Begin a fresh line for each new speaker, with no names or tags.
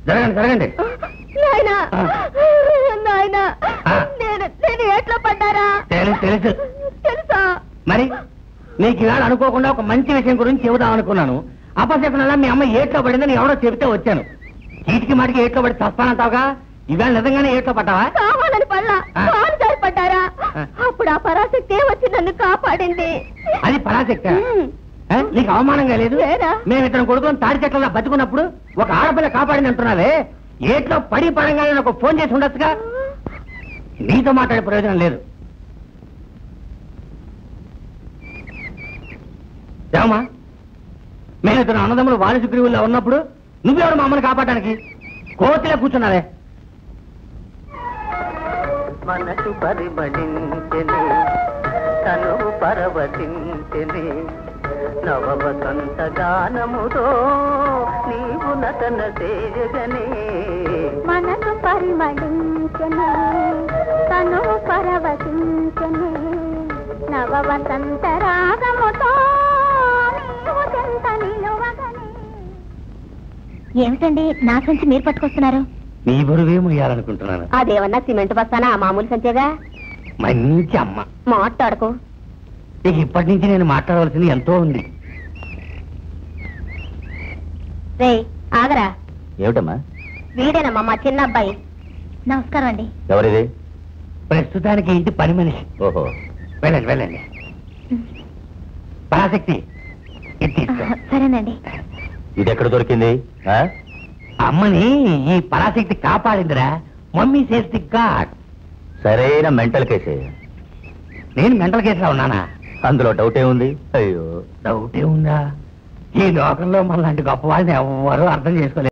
జరగండి జరగండి.
నేను ఎట్లా పడ్డారా?
తెలుసు
తెలుసా?
మరి నీకు ఇవాళ అనుకోకుండా ఒక మంచి విషయం గురించి చెబుదాం అనుకున్నాను. అపశకునంలా మీ అమ్మ ఏట్లో పడిందని ఎవరో చెబితే వచ్చాను. చీటికి మాటికి ఏట్లో పడి చస్తానంటావుగా, ఇవాళ నిజంగానే ఏట్లో పడ్డావా?
కావాలని పడ్డా, కాలు పడ్డారా? అప్పుడు ఆ పరాశక్తి వచ్చి నన్ను కాపాడింది.
అది పరాశక్తి? నీకు అవమానంగా లేదు? మేము ఇతను కొడుకుని తాడి చెట్ల బతుకున్నప్పుడు ఒక ఆడపిల్ల కాపాడింది అంటున్నావే, ఏట్లో పడి పడంగానే నాకు ఫోన్ చేసి ఉండొచ్చుగా. నీతో మాట్లాడే ప్రయోజనం లేదు. ఏమా, మేము ఇతను అన్నదమ్ములు వాణిజ్యగ్రీవుల్లో ఉన్నప్పుడు నువ్వెవరు మా అమ్మని కాపాడడానికి? కోతిలో కూర్చున్నావే.
మనసు పరిమళించెని, తను పరవశించెని, నవ వసంత గానముతో నీవు నటన చేయగనే.
మనసు పరిమళించెని, తను పరవశించెని, నవ వసంత రాగముతో నీవు చెంత నిలువగనే. ఏమిటండి నా సంచి మీరు పట్టుకొస్తున్నారు?
నీ బరువే మొయ్యాలనుకుంటున్నాను.
అదేమన్నా సిమెంట్ బస్తానా? మామూలు సంచేగా.
మంచి అమ్మ,
మాట్లాడుకో.
ఇక ఇప్పటి నుంచి నేను మాట్లాడవలసింది ఎంతో ఉంది.
రే ఆగరా.
ఏమిటమ్మా?
వీడేనమ్మా మా చిన్న అబ్బాయి. నమస్కారం అండి.
ఎవరిది?
ప్రస్తుతానికి ఇంటి పని మనిషి.
ఓహో,
వెళ్ళండి వెళ్ళండి. పరాశక్తి, ఇది తీసుకో.
సరేనండి.
ఇది ఎక్కడ దొరికింది?
అమ్మని ఈ పరాశక్తి కాపాడిందిరా. Mummy says the God.
సరైన మెంటల్ కేసే.
నేను మెంటల్ కేసులో ఉన్నానా?
అందులో డౌటే ఉంది. అయ్యో,
డౌటే ఉందా? ఈ లోకంలో మనలాంటి గొప్ప వాళ్ళని ఎవ్వరూ అర్థం చేసుకోలేదు.